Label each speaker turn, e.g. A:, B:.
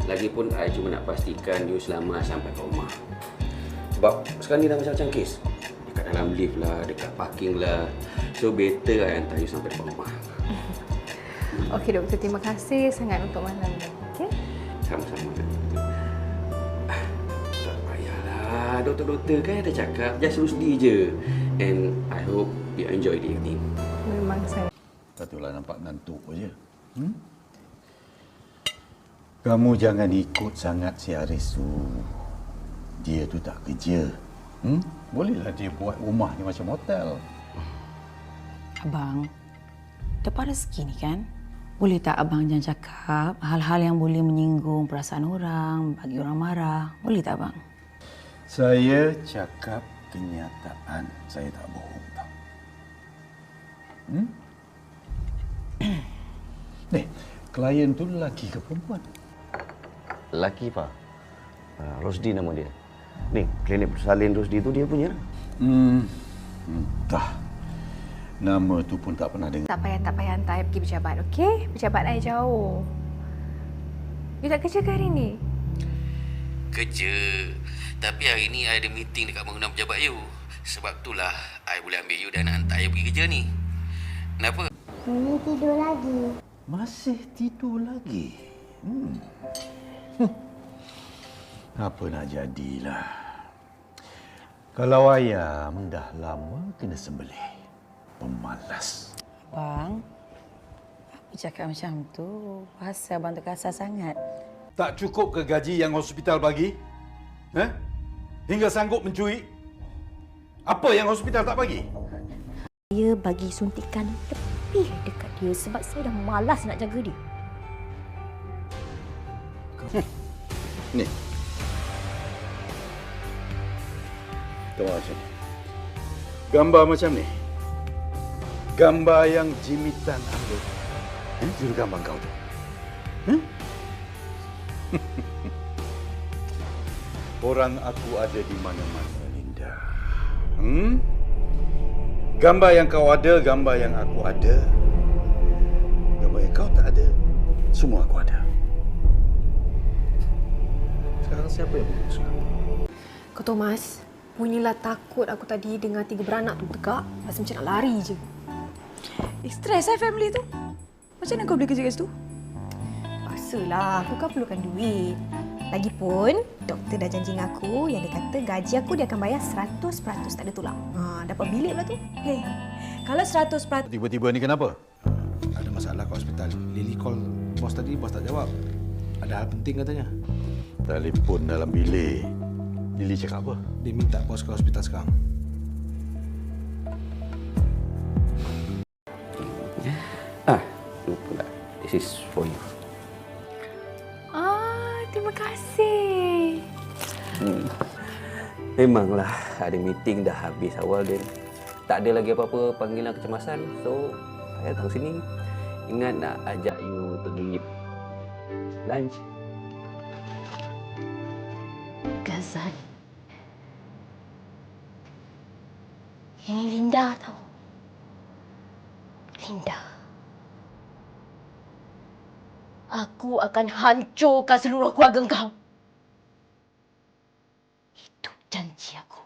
A: Lagipun I cuma nak pastikan you selamat sampai ke rumah. Sebab sekarang ni dah macam-macam kes. Dekat dalam lift lah, dekat parking lah. So better I hantar you sampai depan rumah.
B: Okey doktor, terima kasih sangat untuk malam ni. Okey?
A: Sama-sama. Tak payahlah. Doktor-doktor kan ada cakap, just Rusdi je. And I hope you enjoy the evening.
B: Memang saya.
C: Satulah nampak ngantuk je. Kamu jangan ikut sangat si Haris tu. Dia tu tak kerja. Bolehlah dia buat rumah ni macam hotel.
D: Abang, dapat rezeki ni kan? Boleh tak abang jangan cakap hal-hal yang boleh menyinggung perasaan orang, bagi orang marah? Boleh tak abang?
C: Saya cakap kenyataan. Saya tak bohong tau. Ni, klien tu lelaki ke perempuan?
E: Lelaki, Pak. Rosdi nama dia. Ni, klinik bersalin Rosdi tu dia punya.
C: Entah. Nama tu pun tak pernah dengar.
B: Tak payah hantar I pergi pejabat, okey? Pejabat I jauh. You tak kerja ke hari ni?
A: Kerja. Tapi hari ni I ada meeting dekat bangunan pejabat you. Sebab itulah I boleh ambil you dan hantar you pergi kerja ni. Kenapa?
F: Ini tidur lagi.
C: Masih tidur lagi? Apa nak jadilah. Kalau ayam dah lama kena sembelih. Pemalas.
D: Abang, apa cakap macam tu? Pasal abang tu kasar sangat.
C: Tak cukup ke gaji yang hospital bagi? Hingga sanggup mencuri? Apa yang hospital tak bagi?
F: Saya bagi suntikan lebih dekat dia sebab saya dah malas nak jaga dia.
C: Ni. Tengok macam ni. Gambar macam ni. Gambar yang jimitan ambil. Juru gambar kau tu. Orang aku ada di mana-mana, Linda. Gambar yang kau ada, gambar yang aku ada. Gambar yang kau tak ada, semua aku ada. Sekarang siapa yang memutuskan?
B: Kau Thomas, punyalah takut aku tadi dengar 3 beranak tu tegak. Rasa macam nak lari je.
D: Stres family tu. Macam mana kau boleh kerja kat situ?
F: Paksalah, aku kan perlukan duit. Lagipun, doktor dah janji dengan aku yang dia kata gaji aku dia akan bayar 100% tak ada tulang. Dapat bilik pula tu.
D: Hei, kalau 100%...
C: Tiba-tiba ni kenapa?
G: Ada masalah kat hospital. Lily call bos tadi, bos tak jawab. Ada hal penting katanya.
C: Telefon dalam bilik. Lily cakap apa?
G: Dia minta bos ke hospital sekarang.
A: This is for you.
B: Terima kasih.
A: Memanglah ada meeting dah habis awal dia. Tak ada lagi apa-apa panggilan kecemasan. So, saya datang sini. Ingat nak ajak you pergi lunch.
F: Gazan. Ini Linda tau. Linda. Aku akan hancurkan seluruh keluarga kau. Itu janji aku.